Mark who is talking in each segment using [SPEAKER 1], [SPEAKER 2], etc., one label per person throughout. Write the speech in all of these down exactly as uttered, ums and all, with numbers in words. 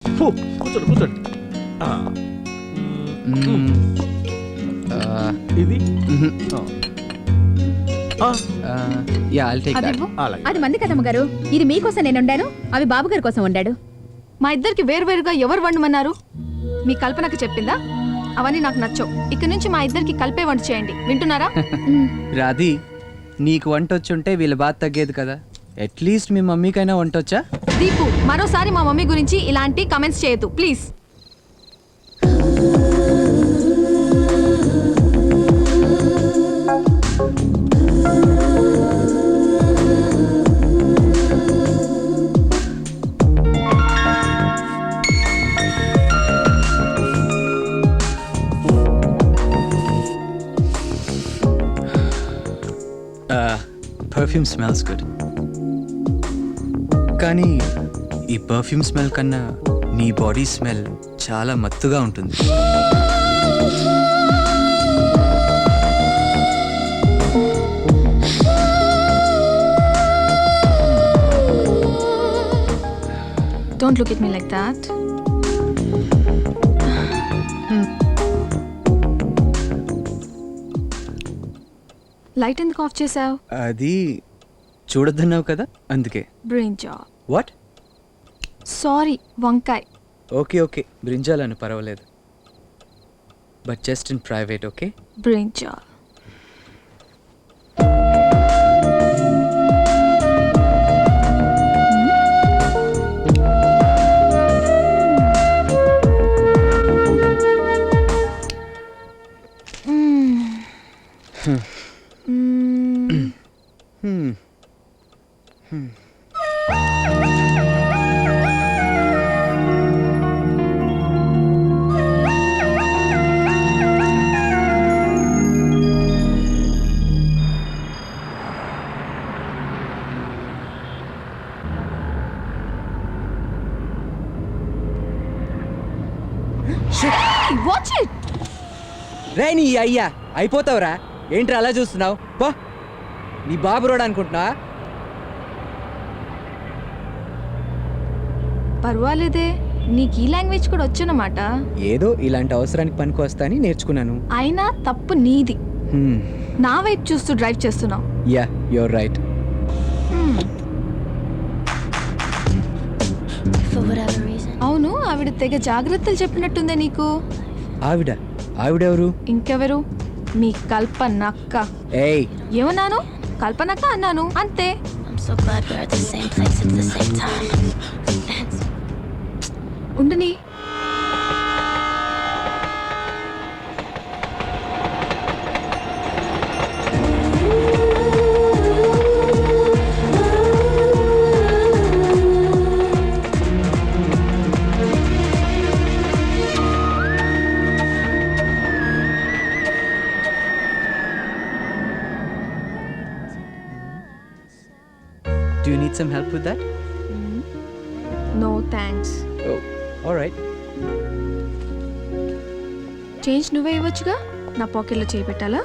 [SPEAKER 1] ఫు, కూర్చోండి కూర్చోండి. ఆ, ఇది ఆ,
[SPEAKER 2] యా ఐల్ టేక్
[SPEAKER 3] అవి
[SPEAKER 2] దట్.
[SPEAKER 3] ఇవ్వు.
[SPEAKER 1] అలాగే.
[SPEAKER 4] అది మంది కదమ్మ గారు, ఇది మీకోసం నేను వండాను, అవి బాబు గారి కోసం వండాడు.
[SPEAKER 3] మా ఇద్దరికి వేరువేరుగా ఎవరు వండమన్నారు? మీ కల్పనకు చెప్పిందా? అవన్నీ నాకు నచ్చవు. ఇక్కడి నుంచి మా ఇద్దరికి కలిపే వంట చేయండి, వింటున్నారా?
[SPEAKER 2] రాధి, నీకు వంట వచ్చుంటే వీళ్ళ బాధ తగ్గేది కదా. అట్లీస్ట్ మీ మమ్మీకైనా వంట వచ్చా?
[SPEAKER 3] దీపు, మరోసారి మా మమ్మీ గురించి ఇలాంటి కమెంట్స్ చేయొద్దు ప్లీజ్.
[SPEAKER 2] పర్ఫ్యూమ్ స్మెల్స్ గుడ్, కానీ ఈ పర్ఫ్యూమ్ స్మెల్ కన్నా నీ బాడీ స్మెల్ చాలా మత్తుగా ఉంటుంది.
[SPEAKER 3] Don't look at me like that. Light ఎందుకు ఆఫ్ చేసావు?
[SPEAKER 2] అది చూడొద్దన్నావు కదా, అందుకే.
[SPEAKER 3] బ్రింజాల్.
[SPEAKER 2] వాట్?
[SPEAKER 3] సారీ, వంకాయ్.
[SPEAKER 2] ఓకే ఓకే, బ్రింజాలను పర్వాలేదు, but just in private. Okay,
[SPEAKER 3] brinjal. Watch it.
[SPEAKER 2] రే నీ అయ్యా, అయిపోతావురా. ఏంట్రా అలా చూస్తున్నావు? పో, నీ బాబు రోడ్ అనుకుంటున్నా.
[SPEAKER 3] పర్వాలేదే, నీకు ఈ లాంగ్వేజ్ కూడా వచ్చనమాట.
[SPEAKER 2] ఏదో ఇలాంటి అవసరానికి పనికి వస్తా అని నేర్చుకున్నాను.
[SPEAKER 3] అయినా తప్పు నీది.
[SPEAKER 2] హ్మ్.
[SPEAKER 3] నా వైపు చూస్తూ డ్రైవ్ చేస్తున్నావు.
[SPEAKER 2] Yeah, you're right.
[SPEAKER 3] అవును, ఆవిడ తెగ జాగ్రత్తలు చెప్పినట్టుందే నీకు.
[SPEAKER 2] ఆవిడ? ఆవిడెవరు?
[SPEAKER 3] ఇంకెవరు? మీ కల్పనక్క.
[SPEAKER 2] ఏయ్,
[SPEAKER 3] ఏమన్నాను? కల్పనక్క అన్నాను, అంతే. ఉండని.
[SPEAKER 2] do you need some help with that?
[SPEAKER 3] No thanks.
[SPEAKER 2] Oh, all right.
[SPEAKER 3] Change నువ్వే ఇవ్వచ్చుగా, నా పాకెట్లో చేయి పెట్టాలా?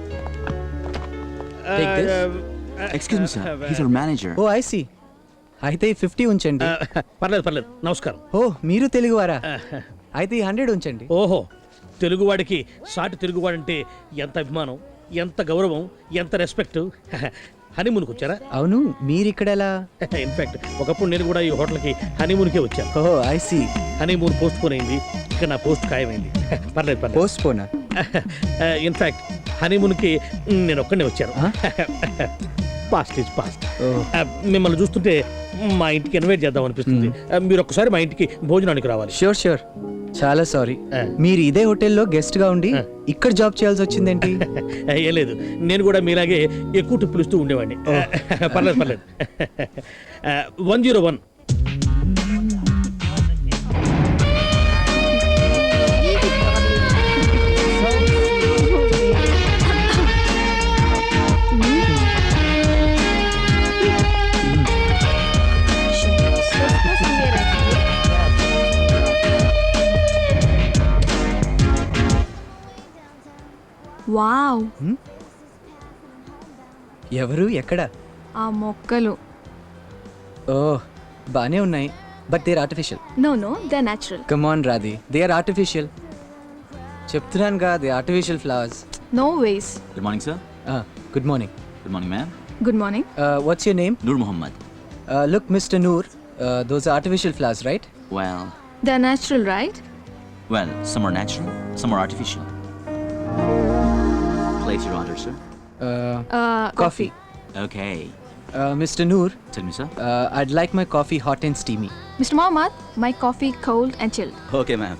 [SPEAKER 2] Take this.
[SPEAKER 5] Excuse me, sir. He's our manager.
[SPEAKER 2] Oh, I see. అయితే ఈ ఫిఫ్టీ ఉంచండి.
[SPEAKER 1] పర్లేదు పర్లేదు, నమస్కారం.
[SPEAKER 2] ఓ, మీరు తెలుగువారా? అయితే ఈ హండ్రెడ్ ఉంచండి.
[SPEAKER 1] ఓహో, తెలుగువాడికి సాటి తెలుగువాడంటే ఎంత అభిమానం, ఎంత గౌరవం, ఎంత రెస్పెక్ట్. హనీమూన్కి వచ్చారా?
[SPEAKER 2] అవును, మీరు ఇక్కడ ఎలా?
[SPEAKER 1] ఇన్ఫాక్ట్ ఒకప్పుడు నేను కూడా ఈ హోటల్కి హనీమూన్కే వచ్చాను.
[SPEAKER 2] Oh, I see.
[SPEAKER 1] Honeymoon postpone అయింది, ఇక్కడ నా పోస్ట్ ఖాయమైంది. పర్లేదు పర్లేదు.
[SPEAKER 2] పోస్ట్ పోనా?
[SPEAKER 1] ఇన్ఫాక్ట్ హనీమూన్కి నేను ఒక్కడే వచ్చాను. Past is past. మిమ్మల్ని చూస్తుంటే మా ఇంటికి ఇన్వైట్ చేద్దాం అనిపిస్తుంది. మీరు ఒక్కసారి మా ఇంటికి భోజనానికి రావాలి.
[SPEAKER 2] Sure sure. చాలా సారీ, మీరు ఇదే హోటల్లో గెస్ట్ గా ఉండి ఇక్కడ జాబ్ చేయాల్సి వచ్చిందేంటి?
[SPEAKER 1] ఏ లేదు, నేను కూడా మీలాగే ఎక్కువ టిప్పులు ఇస్తూ ఉండేవాడిని. పర్లేదు పర్లేదు. One zero one.
[SPEAKER 3] వావ్,
[SPEAKER 2] ఎవరు? ఎక్కడ?
[SPEAKER 3] ఆ మొక్కలు
[SPEAKER 2] ఓ, బానే ఉన్నాయి. But they are artificial.
[SPEAKER 3] No no they natural.
[SPEAKER 2] Come on Radhi, they are artificial. చెప్తున్నానుగా, they artificial flowers.
[SPEAKER 3] No ways.
[SPEAKER 5] Good morning, sir.
[SPEAKER 2] Good morning.
[SPEAKER 5] Good morning, ma'am.
[SPEAKER 3] Good morning.
[SPEAKER 2] What's your name?
[SPEAKER 5] Nur Muhammad.
[SPEAKER 2] Look mister Noor, those are artificial flowers, right?
[SPEAKER 5] Well,
[SPEAKER 3] they natural right?
[SPEAKER 5] well, some are natural, some are artificial. Place your order, sir.
[SPEAKER 3] Coffee.
[SPEAKER 5] Okay.
[SPEAKER 2] Mister Noor,
[SPEAKER 5] Tell me, sir.
[SPEAKER 2] I'd like my coffee hot and steamy.
[SPEAKER 3] Mister Mohammed, my coffee cold and chilled.
[SPEAKER 5] Okay, ma'am.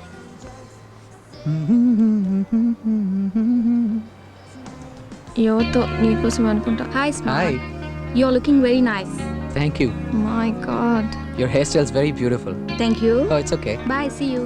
[SPEAKER 3] యోతో నీకోసం అనుకుంటా.
[SPEAKER 4] Hi
[SPEAKER 2] hi,
[SPEAKER 4] you are looking very nice.
[SPEAKER 2] Thank you.
[SPEAKER 3] My god.
[SPEAKER 2] Your hair styles very beautiful.
[SPEAKER 4] Thank you.
[SPEAKER 2] Oh, it's okay.
[SPEAKER 4] Bye, see you.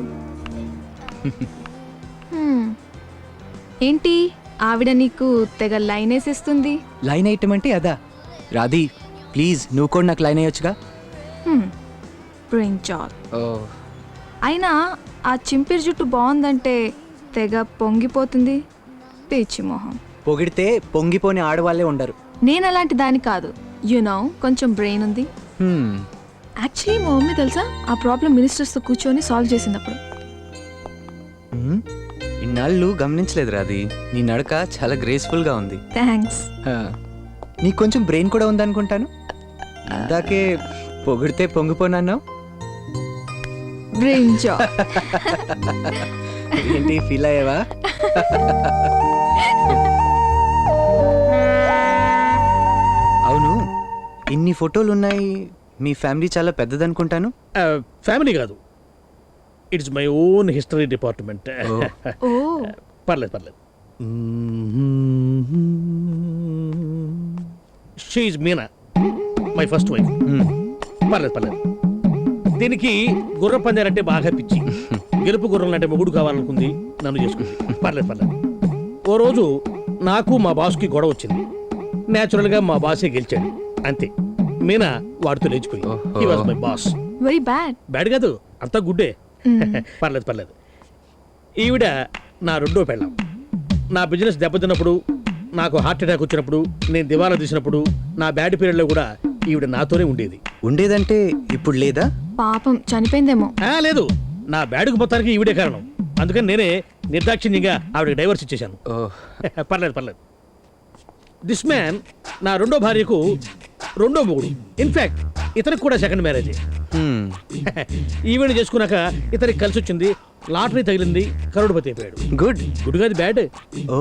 [SPEAKER 3] ఏంటి ఆవిడ నీకు తెగ line వేసేస్తుంది?
[SPEAKER 2] Line item అంటే అదా? రాధి ప్లీజ్, నువ్వు కూడా నాకు లైన్ అయ్యొచ్చుగా.
[SPEAKER 3] Brain job.
[SPEAKER 2] ఓ,
[SPEAKER 3] అయినా ఆ చింపిరి జుట్టు బాగుందంటే తెగ పొంగిపోతుంది. పిచ్చి మొహం.
[SPEAKER 2] పొగిడితే పొంగిపోని ఆడవాళ్ళే ఉండరు.
[SPEAKER 3] నేను అలాంటి దాని కాదు. యు నో, కొంచెం బ్రెయిన్ ఉంది.
[SPEAKER 2] Hmm.
[SPEAKER 3] యాక్చువల్లీ మా మమ్మీ తెలుసా ఆ ప్రాబ్లం మినిస్టర్స్తో కూర్చొని సాల్వ్ చేసినప్పుడు.
[SPEAKER 2] Hmm? ఇన్నాళ్ళు గమనించలేదు రాధి, నీ నడక చాలా గ్రేస్ఫుల్గా ఉంది.
[SPEAKER 3] థ్యాంక్స్.
[SPEAKER 2] Huh. నీకు కొంచెం బ్రెయిన్ కూడా ఉందనుకుంటాను. ఇందాకే పొగిడితే పొంగిపోనన్నావు.
[SPEAKER 3] Brain job.
[SPEAKER 2] ఏంటి ఫీల్ అయ్యావా? అవును, ఇన్ని ఫోటోలు ఉన్నాయి, మీ ఫ్యామిలీ చాలా పెద్దదనుకుంటాను.
[SPEAKER 1] ఫ్యామిలీ కాదు, it's my own history department.
[SPEAKER 2] Oh.
[SPEAKER 3] ఓ
[SPEAKER 1] పర్లేదు పర్లేదు. She's Meena, my first wife.
[SPEAKER 2] Hmm.
[SPEAKER 1] పర్లేదు పర్లేదు. దీనికి గుర్ర పందాలంటే బాగా పిచ్చి. గెలుపు గుర్రం అంటే మొగుడు కావాలనుకుంది, నన్ను చేసుకుంది. పర్లేదు పర్లేదు. ఓ రోజు నాకు మా బాస్కి గొడవ వచ్చింది. న్యాచురల్గా మా బాసే గెలిచాడు, అంతే. మీనా వాడితో లేచిపోయి. He was my boss.
[SPEAKER 3] Very bad.
[SPEAKER 1] Bad కాదు, అంతా గుడ్డే. పర్లేదు పర్లేదు. ఈవిడ నా రెండో పెళ్ళాం. నా బిజినెస్ దెబ్బతిన్నప్పుడు, నాకు హార్ట్ అటాక్ వచ్చినప్పుడు, నేను దివాలా తీసినప్పుడు, నా బ్యాడ్ పీరియడ్లో కూడా ఈవిడ నాతోనే ఉండేది.
[SPEAKER 2] ఉండేదంటే ఇప్పుడు లేదా?
[SPEAKER 3] పాపం చనిపోయిందేమో.
[SPEAKER 1] ఆ, లేదు, నా బ్యాడ్కు మొత్తానికి ఈవిడే కారణం. అందుకని నేనే నిర్దాక్షిణ్యంగా ఆవిడకి డైవర్స్ ఇచ్చేశాను.
[SPEAKER 2] ఓ,
[SPEAKER 1] పర్లేదు పర్లేదు. దిస్ మ్యాన్ నా రెండో భార్యకు రెండో మొగుడు. ఇన్ఫాక్ట్ ఇతనికి కూడా సెకండ్ మ్యారేజ్.
[SPEAKER 2] hmm.
[SPEAKER 1] ఈవెంట్ చేసుకున్నాక ఇతనికి కలిసి వచ్చింది, లాటరీ తగిలింది, కరోడుపతి అయిపోయాడు.
[SPEAKER 2] గుడ్.
[SPEAKER 1] గుడ్ కాదు, బ్యాడ్.
[SPEAKER 2] ఓ,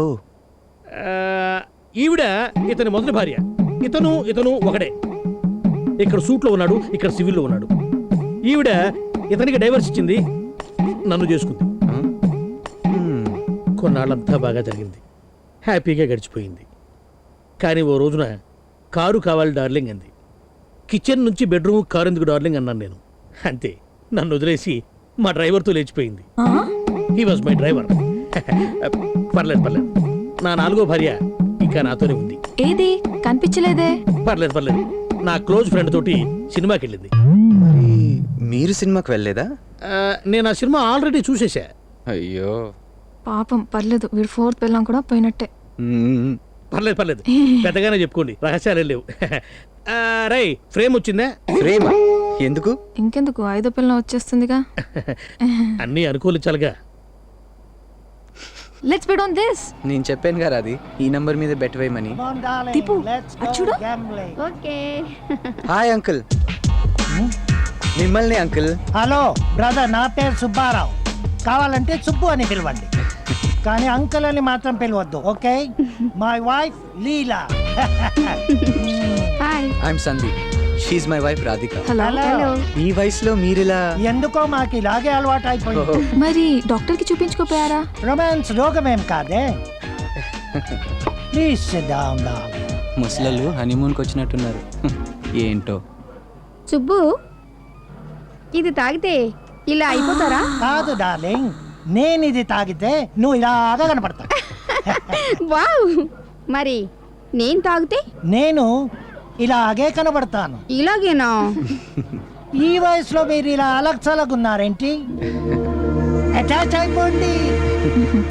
[SPEAKER 1] ఈవిడ ఇతని మొదటి భార్య. ఇతను ఇతను ఒకడే. ఇక్కడ సూట్లో ఉన్నాడు, ఇక్కడ సివిల్లో ఉన్నాడు. ఈవిడ ఇతనికి డైవర్స్ ఇచ్చింది, నన్ను చేసుకుంది.
[SPEAKER 2] Hmm.
[SPEAKER 1] కొన్నాళ్ళంతా బాగా జరిగింది, హ్యాపీగా గడిచిపోయింది. కానీ ఓ రోజున కారు కావాలి డార్లింగ్ అంది. కిచెన్ నుంచి బెడ్రూమ్ కారు ఎందుకు డార్లింగ్ అన్నాను నేను. అంతే, నన్ను వదిలేసి మా డ్రైవర్తో లేచిపోయింది. He was my driver. పర్లేదు పర్లేదు. నా నాలుగో భార్య ఇంకా నాతోనే ఉంది.
[SPEAKER 3] ఏది కనిపించలేదే?
[SPEAKER 1] పర్లేదు పర్లేదు. నా క్లోజ్ ఫ్రెండ్ తోటి సినిమాకి వెళ్ళింది.
[SPEAKER 2] మరి మీరు సినిమాకి వెళ్ళలేదా?
[SPEAKER 1] ఆ, నేను ఆ సినిమా ఆల్రెడీ చూసేశా.
[SPEAKER 2] అయ్యో.
[SPEAKER 3] పాపం పర్లేదు, వీడు ఫోర్త్ పెళ్ళాం కూడా పోయినట్టే.
[SPEAKER 2] Hmm.
[SPEAKER 1] పర్లేదు పర్లేదు, పెద్దగానే చెప్పుకోండి, రహస్యాలు లేవు. రై ఫ్రేమ్ వచ్చిందా?
[SPEAKER 2] ప్రేమ ఎందుకు?
[SPEAKER 3] ఇంకెందుకు, ఐదో పిల్లం వచ్చేస్తుందిగా.
[SPEAKER 1] అన్నీ అనుకూలించాలిగా.
[SPEAKER 3] Let's bet on this.
[SPEAKER 2] నేను చెప్పాను కదా అది, ఈ నంబర్ మీద బెట్ వేయమని.
[SPEAKER 3] దీపు, అది చూడు.
[SPEAKER 4] ఓకే.
[SPEAKER 2] Hi uncle. మిమ్మల్ని అంకుల్.
[SPEAKER 6] హలో బ్రదర్, నా పేరు సుబ్బారావు. కావాలంటే సుబ్బు అని పిలవండి, కానీ అంకుల్ అని మాత్రం పిలవద్దు, okay? My wife Leela.
[SPEAKER 4] Hi.
[SPEAKER 2] I'm Sandeep. She's my wife Radhika.
[SPEAKER 3] Hello.
[SPEAKER 6] Hello.
[SPEAKER 2] ఈ వయసులో మీరిలా?
[SPEAKER 6] ఎందుకో మాకు ఇలాగే అలవాటు అయిపోయింది.
[SPEAKER 3] మరి డాక్టర్ కి చూపించుకోపోయారా?
[SPEAKER 6] రొమాన్స్ రోగమేం కాదే. Please sit down darling.
[SPEAKER 2] ముసలళ్ళు హనీమూన్కి వచ్చినట్టున్నారు. ఏంటో.
[SPEAKER 4] సుబ్బు, ఇది తాగితే ఇలా అయిపోతారా?
[SPEAKER 6] కాదు డార్లింగ్, నేను ఇది తాగితే నువ్వు ఇలాగా కనపడతా.
[SPEAKER 4] వావ్. మరి నేను తాగితే?
[SPEAKER 6] నేను ఇలాగే కనబడతాను.
[SPEAKER 4] ఇలాగేనా?
[SPEAKER 6] ఈ వయసులో మీరు ఇలా అలక్సలగున్నారేంటి? అటాచ్ అయిపోండి.